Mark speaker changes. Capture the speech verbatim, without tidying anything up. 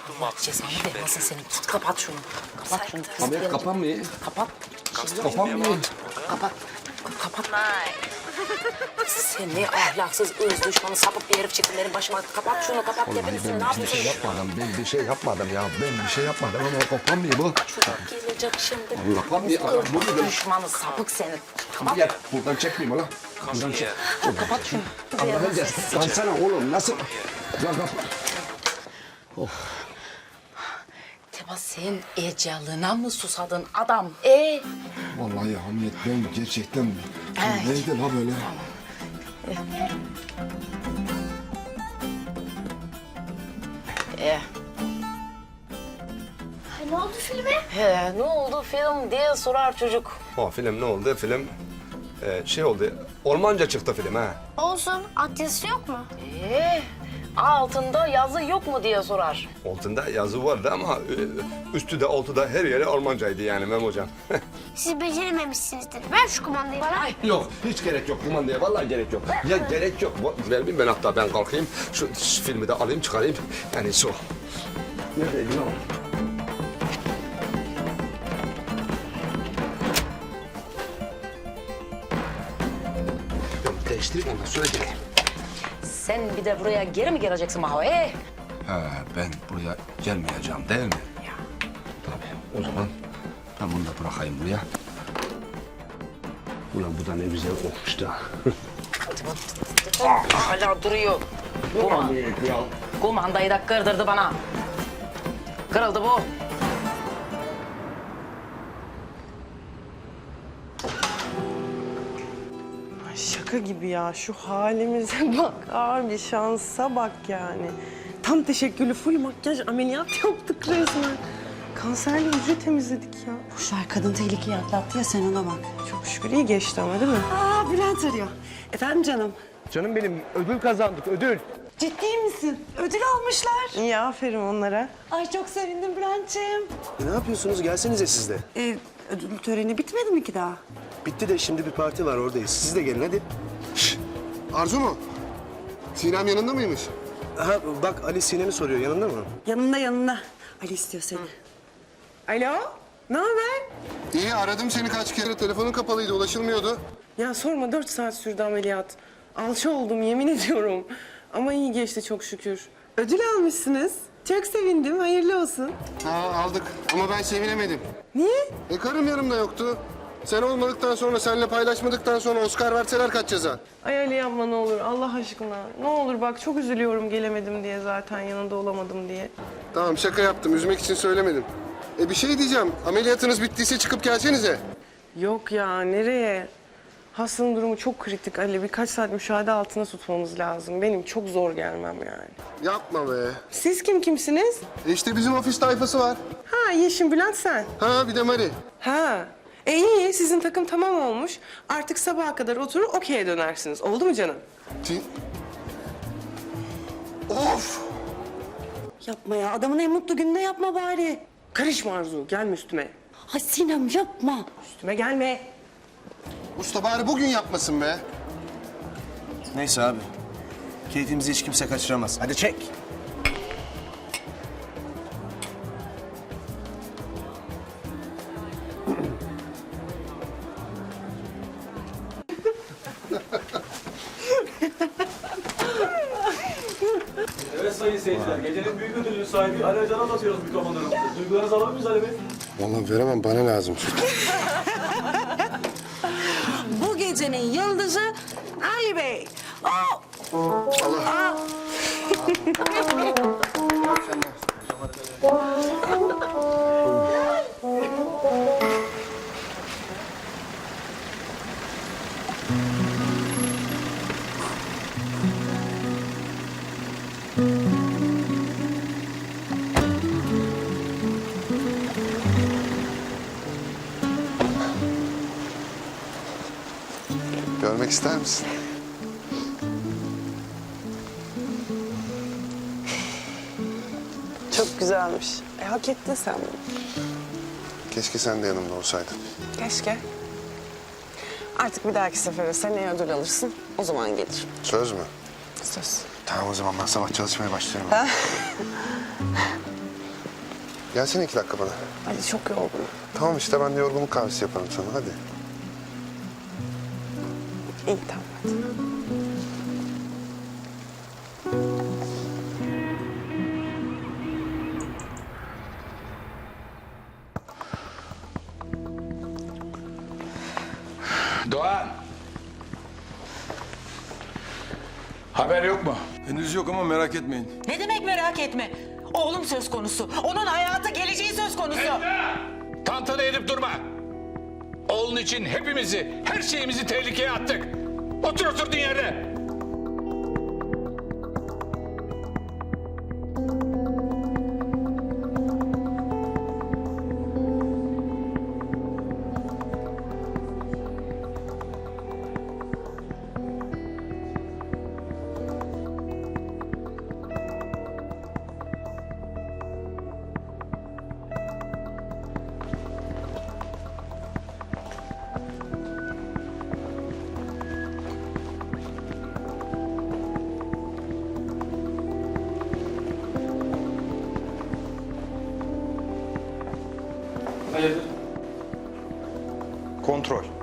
Speaker 1: Allah cezanı vermesin senin. Git kapat şunu. Kapat şunu.
Speaker 2: Abi kapanmıyor.
Speaker 1: Kapat.
Speaker 2: Kapanmıyor.
Speaker 1: Kapat. Kapat. Sen ne ahlaksız, ırz düşmanı, sapık bir herif çıktın benim başıma. Kapat şunu, kapat
Speaker 2: Vallahi
Speaker 1: tepenizi. Ne
Speaker 2: ben bir şey
Speaker 1: yapıyorsun?
Speaker 2: yapmadım. Ben bir şey yapmadım ya. Ben bir şey yapmadım ama kapanmıyor bu.
Speaker 1: Çocuk gelecek şimdi.
Speaker 2: Kapanmıyor. Bu
Speaker 1: Irz
Speaker 2: nedir?
Speaker 1: düşmanı, sapık senin. Kapat.
Speaker 2: Gel buradan çekmeyeyim lan. Buradan çek.
Speaker 1: Kapat şunu.
Speaker 2: Allah'ın cezası. Kansana oğlum nasıl? Ya kapat.
Speaker 1: Teba sen ecalına mı susadın adam? E
Speaker 2: Vallahi Hamiyet ben gerçekten...
Speaker 1: Evet.
Speaker 2: Neydi la böyle?
Speaker 1: E.
Speaker 3: Ne oldu filme?
Speaker 1: He, ne oldu film diye sorar çocuk.
Speaker 4: O film ne oldu? Film e, şey oldu. Ormanca çıktı film ha.
Speaker 3: Olsun. At yazısı yok mu?
Speaker 1: E, altında yazı yok mu diye sorar.
Speaker 4: Altında yazı vardı ama e, üstü de altı da her yeri Almancaydı yani Mem hocam.
Speaker 3: Siz becerememişsinizdir. Ver şu kumandayı bana.
Speaker 4: Yok hiç gerek yok kumandaya vallahi gerek yok. Ya gerek yok. Ver bir ben hatta ben kalkayım. Şu, şu filmi de alayım çıkarayım. Yani şu. Neredeydi lan? Ben değiştireyim ondan sonra geleyim.
Speaker 1: Sen bir de buraya geri mi geleceksin Maho? E?
Speaker 2: Ha, ben buraya gelmeyeceğim değil mi?
Speaker 1: Ya.
Speaker 2: Tabii. O zaman ben bunu da bırakayım buraya. Ulan bu da ne güzel kokmuş da.
Speaker 1: Hala duruyor. Kuman. Kumandayı da kırdırdı bana. Kırıldı bu.
Speaker 5: Ay şaka gibi ya. Şu halimize bak. Abi şansa bak yani. Tam teşekküllü full makyaj ameliyat yaptık resmen. Kanserli hücre temizledik ya.
Speaker 6: Boşver, kadın tehlikeyi atlattı ya, sen ona bak.
Speaker 5: Çok şükür iyi geçti ama değil mi?
Speaker 6: Aa, Bülent arıyor. Efendim canım?
Speaker 7: Canım benim ödül kazandık ödül.
Speaker 6: Ciddi misin? Ödül almışlar.
Speaker 5: İyi aferin onlara.
Speaker 6: Ay çok sevindim Bülent'ciğim.
Speaker 7: E, ne yapıyorsunuz? Gelsenize siz de.
Speaker 6: Ee, ödül töreni bitmedi mi ki daha?
Speaker 7: Bitti de şimdi bir parti var oradayız. Siz de gelin hadi.
Speaker 8: Arzu mu? Sinem yanında mıymış?
Speaker 7: Ha bak Ali Sinem'i soruyor yanında mı?
Speaker 6: Yanında yanında. Ali istiyor seni.
Speaker 5: Alo, ne haber?
Speaker 8: İyi aradım seni kaç kere. Telefonun kapalıydı ulaşılmıyordu.
Speaker 5: Ya sorma, dört saat sürdü ameliyat. Alça oldum yemin ediyorum. Ama iyi geçti çok şükür. Ödül almışsınız. Çok sevindim, hayırlı olsun.
Speaker 8: Ha aldık ama ben sevinemedim.
Speaker 5: Niye?
Speaker 8: E karım yanımda yoktu. Sen olmadıktan sonra, seninle paylaşmadıktan sonra Oscar verseler kaç ceza?
Speaker 5: Ay Ali yapma ne olur Allah aşkına. Ne olur bak çok üzülüyorum gelemedim diye zaten yanında olamadım diye.
Speaker 8: Tamam şaka yaptım. Üzmek için söylemedim. E bir şey diyeceğim. Ameliyatınız bittiyse çıkıp gelsenize.
Speaker 5: Yok ya nereye? Hastanın durumu çok kritik Ali. Birkaç saat müşahede altına tutmamız lazım. Benim çok zor gelmem yani.
Speaker 8: Yapma be.
Speaker 5: Siz kim kimsiniz?
Speaker 8: E işte bizim ofis tayfası var.
Speaker 5: Ha Yeşim Bülent sen.
Speaker 8: Ha bir de Mari.
Speaker 5: Ha. E iyi sizin takım tamam olmuş. Artık sabaha kadar oturur okey'e dönersiniz. Oldu mu canım?
Speaker 8: Ti- Of!
Speaker 6: Yapma ya, adamın en mutlu gününde yapma bari.
Speaker 5: Karışma Arzu gelme üstüme.
Speaker 6: Ay Sinem yapma.
Speaker 5: Üstüme gelme.
Speaker 8: Usta bari bugün yapmasın be.
Speaker 7: Neyse abi. Keyfimizi hiç kimse kaçıramaz. Hadi çek.
Speaker 9: Evet sayın seyirciler, gecenin büyük ödülünün sahibi Ali Acan'a atıyoruz mikrofonlarımızı. Duygularınızı alabilir miyiz Ali Bey?
Speaker 8: Vallahi veremem bana lazım.
Speaker 6: Bu gecenin yıldızı Ali Bey. Oh!
Speaker 8: Görmek ister misin?
Speaker 5: Çok güzelmiş. E, hak ettin sen bunu.
Speaker 8: Keşke sen de yanımda olsaydın.
Speaker 5: Keşke. Artık bir dahaki sefere seneye ödül alırsın. O zaman gelir.
Speaker 8: Söz mü?
Speaker 5: Söz.
Speaker 8: Tamam o zaman ben sabah çalışmaya başlıyorum. Gelsene iki dakika bana.
Speaker 5: Ali çok yorgun.
Speaker 8: Tamam işte ben de yorgunluk kahvesi yaparım sana hadi.
Speaker 5: İyi tamam hadi.
Speaker 10: Doğan. Haber yok mu?
Speaker 7: Henüz yok ama merak etmeyin.
Speaker 11: Ne demek merak etme. Oğlum söz konusu. Onun hayatı, geleceği söz konusu.
Speaker 10: Tantana edip durma. Oğlun için hepimizi, her şeyimizi tehlikeye attık. Otur oturduğun yerde.
Speaker 9: Hayırdır?
Speaker 7: Kontrol.